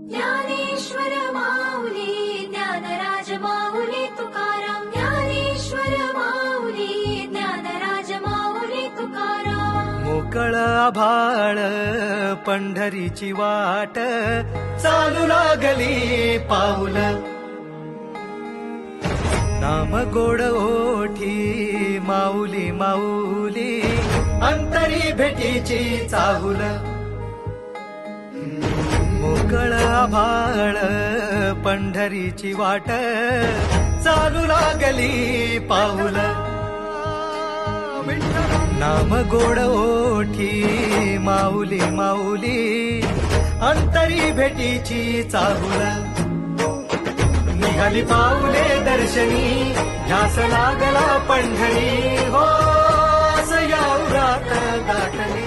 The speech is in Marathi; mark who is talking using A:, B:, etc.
A: ज्ञानेश्वर माऊली ज्ञानराज माऊली तुकाराम ज्ञानेश्वर माऊली ज्ञानराज माऊली तुकाराम
B: मोकळ आभाळ पंढरीची वाट चालू लागली पाऊल नाम गोड ओठी माऊली माऊली अंतरी भेटीची चाहुल मोकळ आभाळ पंढरीची वाट चालू लागली पाऊल नाम गोड ओठी माऊली माऊली अंतरी भेटीची चाहुल निघाली पाऊले दर्शनी ध्यास लागला पंढरी हो असं या उरात गाठली